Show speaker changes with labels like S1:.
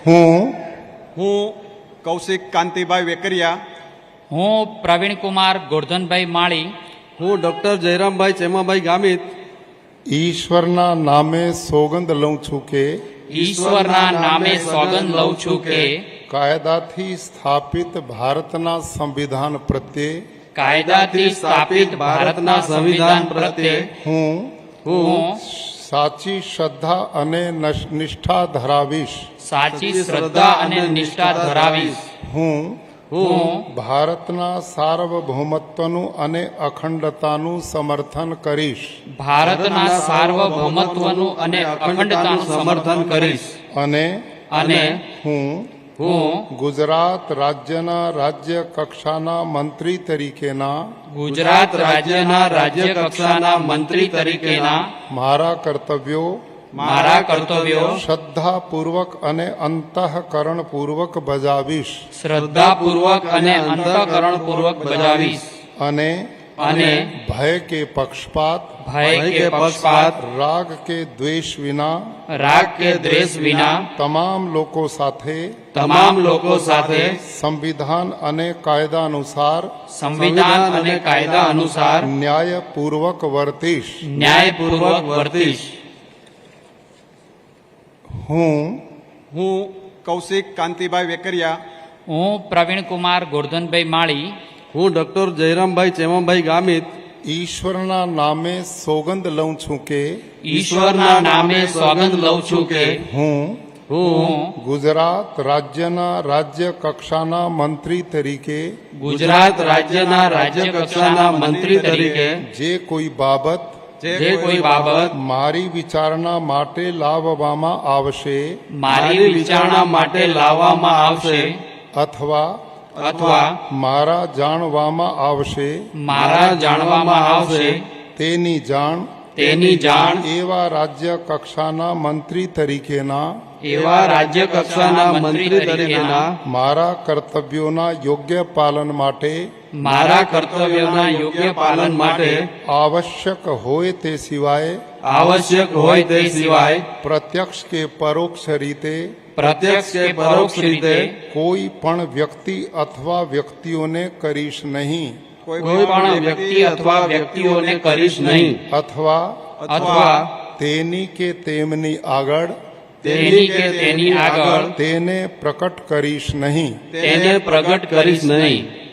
S1: હું કૌશિક કાંતિભાઈ વેકરિયા,
S2: હું પ્રવીણકુમાર ગોરધનભાઈ માળી,
S3: હું ડૉક્ટર જયરામભાઈ ચેમાભાઈ ગામિત
S4: ઈશ્વરના નામે સોગંદ લઉં છું કે
S2: ઈશ્વરના નામે સોગંદ લઉં છું કે
S4: કાયદાથી સ્થાપિત ભારતના સંવિધાન પ્રત્યે
S2: કાયદાથી સ્થાપિત ભારતના સંવિધાન પ્રત્યે
S4: હું સાચી શ્રદ્ધા અને નિષ્ઠા ધરાવીશ.
S2: સાચી શ્રદ્ધા અને નિષ્ઠા ધરાવીશ.
S4: હું
S2: હું
S4: ભારતના સાર્વભૌમત્વનું અને અખંડતાનું સમર્થન કરીશ
S2: ભારતના સાર્વભૌમત્વનું અને અખંડતાનું સમર્થન કરીશ.
S4: અને હું ગુજરાત રાજ્યના રાજ્ય કક્ષાના મંત્રી તરીકેના
S2: ગુજરાત રાજ્યના રાજ્ય કક્ષાના મંત્રી તરીકેના
S4: મારા કર્તવ્યો શ્રદ્ધાપૂર્વક અને અંતઃકરણપૂર્વક બજાવીશ.
S2: શ્રદ્ધાપૂર્વક અને અંતઃકરણપૂર્વક બજાવીશ.
S4: અને ભય કે પક્ષપાત રાગ કે દ્વેષ વિના તમામ લોકો સાથે સંવિધાન અને કાયદા અનુસાર ન્યાયપૂર્વક વર્તીશ. હું
S1: કૌશિક કાંતિભાઈ વેકરિયા,
S2: હું પ્રવીણકુમાર ગોરધનભાઈ માળી,
S3: હું ડૉક્ટર જયરામભાઈ ચેમાભાઈ ગામિત
S4: ઈશ્વરના નામે સોગંદ લઉં છું કે
S2: ઈશ્વરના નામે સોગંદ લઉં છું કે
S4: હું ગુજરાત રાજ્યના રાજ્ય કક્ષાના મંત્રી તરીકે
S2: ગુજરાત રાજ્યના રાજ્ય કક્ષાના મંત્રી તરીકે
S4: જે કોઈ બાબત મારી વિચારણા માટે લાવવામાં આવશે અથવા મારા જાણવામાં આવશે તેની જાણ એવા રાજ્ય કક્ષાના મંત્રી તરીકેના મારા કર્તવ્યોના યોગ્ય પાલન માટે આવશ્યક હોય તે સિવાય પ્રત્યક્ષ કે પરોક્ષ રીતે કોઈ પણ વ્યક્તિ અથવા વ્યક્તિઓને કરીશ નહીં અથવા તેની કે તેમની આગળ તેને પ્રકટ કરીશ નહીં.